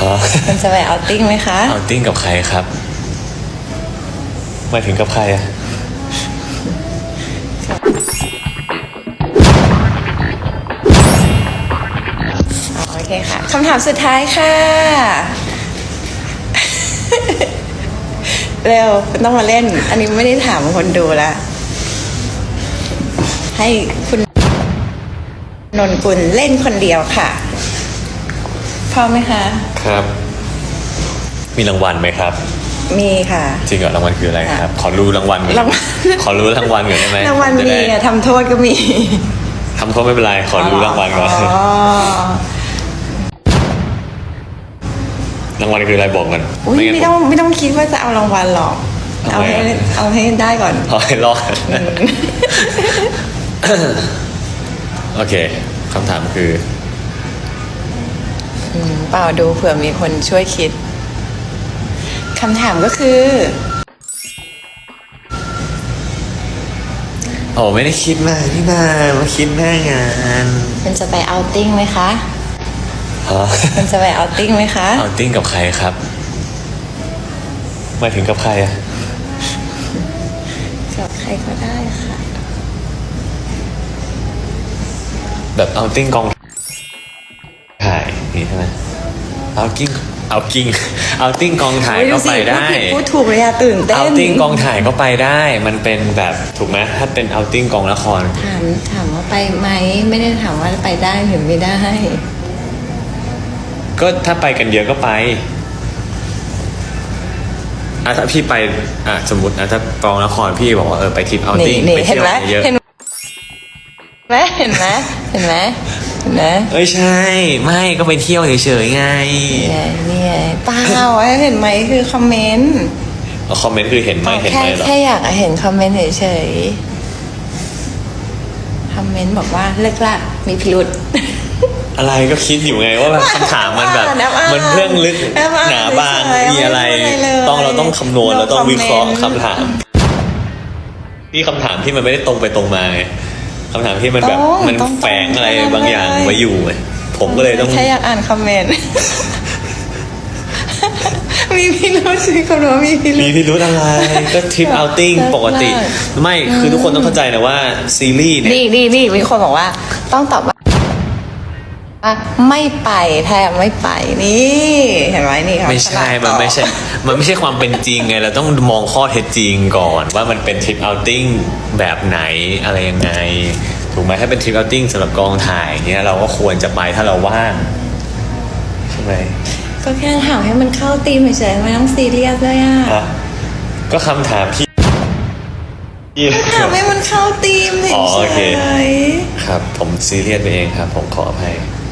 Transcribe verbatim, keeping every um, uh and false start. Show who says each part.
Speaker 1: คุณจะไปเอาติ้งไหมคะ
Speaker 2: เอาติ้งกับใครครับหมายถึงกับใครอะ
Speaker 1: โอเคค่ะคำถามสุดท้ายค่ะ เร็วคุณต้องมาเล่นอันนี้ไม่ได้ถามคนดูละให้คุณนนกุลเล่นคนเดียวค่ะพร้อมไหมคะ
Speaker 2: ครับมีรางวัลไหมครับ
Speaker 1: มีค่ะ
Speaker 2: จริงเหรอรางวัลคืออะไรครับขอรู้รางวัล
Speaker 1: รางวัล
Speaker 2: ขอรู้รางวัลก่อนได้ไหม
Speaker 1: รางวัลมีอะทำโทษก็มี
Speaker 2: ทำโทษไม่เป็นไรขอรู้รางวัลก่อนรางวัลคืออะไรบอกกัน
Speaker 1: ไม่ไม่ต้องไม่ต้องคิดว่าจะเอารางวัลหรอกเอาให้เอาให้ได้ก่อน
Speaker 2: เอาให้รอดโอเคคำถามคือ
Speaker 1: เปล่าดูเผื่อมีคนช่วยคิดคำถามก็คือ
Speaker 2: โอ้ไม่ได้คิดมากนี่นามาคิดหน้างาน
Speaker 1: มันจะไปเอาติ้งไหมคะ
Speaker 2: ฮะ
Speaker 1: มันจะไปเอาติ้งไหมคะ
Speaker 2: เอาติ้งกับใครครับหมายถึงกับใครอะ
Speaker 1: กับใครก็ได้ค่ะ
Speaker 2: แบบเอาติ้งกองถ่ายนี่ใช่ไหมเอากิ้งเอากิ้งเอาติ้งกองถ่ายก็ไปได้
Speaker 1: พูดถูกเลยอะตื่นเต้น
Speaker 2: เอาติ้งกองถ่ายก็ไปได้มันเป็นแบบถูกไหมถ้าเป็นเอาติ้งกองละคร
Speaker 1: ถามถามว่าไปไหมไม่ได้ถามว่าไปได้หรือไม่ได้
Speaker 2: ก็ถ้าไปกันเยอะก็ไปอ่ะถ้าพี่ไปอ่ะสมมติอ่ะถ้ากองละครพี่บอกว่าเออไปทริปเอาติ้งไปเที่ยวเยอะ
Speaker 1: เห็นไหมเห็นไหมเห็นไหมเห็นไหม
Speaker 2: เอ้ยใช่ไม่ก็ไปเที่ยวเฉยๆไง
Speaker 1: นี่ไงเปล่าเห็นไหมคือคอมเมนต์
Speaker 2: คอมเมนต์คือเห็นไหมเห็นไหมหรอ
Speaker 1: แค่อยากเห็นคอมเมนต์เฉยๆคอมเมนต์บอกว่าเลิกละมีพิรุธ
Speaker 2: อะไรก็คิดอยู่ไงว่าแบบคำถามมันแบบมันเรื่องลึกหนาบางมีอะไรต้องเราต้องคำนวณเราต้องวิเคราะห์คำถามที่คำถามที่มันไม่ได้ตรงไปตรงมาไงคำถามที่มันแบบมันแฝงอะไรบางอย่างไว้อยู่ผมก็เลยต้อง
Speaker 1: แค่อยากอ่านคอมเมนต์มีพิรุธสิคนว่ามีพิรุธ
Speaker 2: มีพิรุธอะไรก็ทริปเอาติ้งปกติไม่คือทุกคนต้องเข้าใจนะว่าซีรีส์เนี่ย
Speaker 1: นี่นี่นี่มีคนบอกว่าต้องตอบว่าไม่ไปแทบไม่ไปนี่เห็นไหมนี่ครับ
Speaker 2: ไม่ใช่มันไม่ใช่มันไม่ใช่ความเป็นจริงไงเราต้องมองข้อเท็จจริงก่อนว่ามันเป็นทริปเอาติ้งแบบไหนอะไรยังไงถูกไหมถ้าเป็นทริปเอาติ้งสำหรับกองถ่ายเนี้ยเราก็ควรจะไปถ้าเราว่างใช่ไหม
Speaker 1: ก็แค่ถามให้มันเข้าธีมเฉยๆไม่ต้องซีเรียสเลยอ่ะ
Speaker 2: ก็คำถามพี่
Speaker 1: ถามให้มันเข้าธีมเฉยๆ
Speaker 2: ครับผมซีเรียสไปเองครับผมขออภัย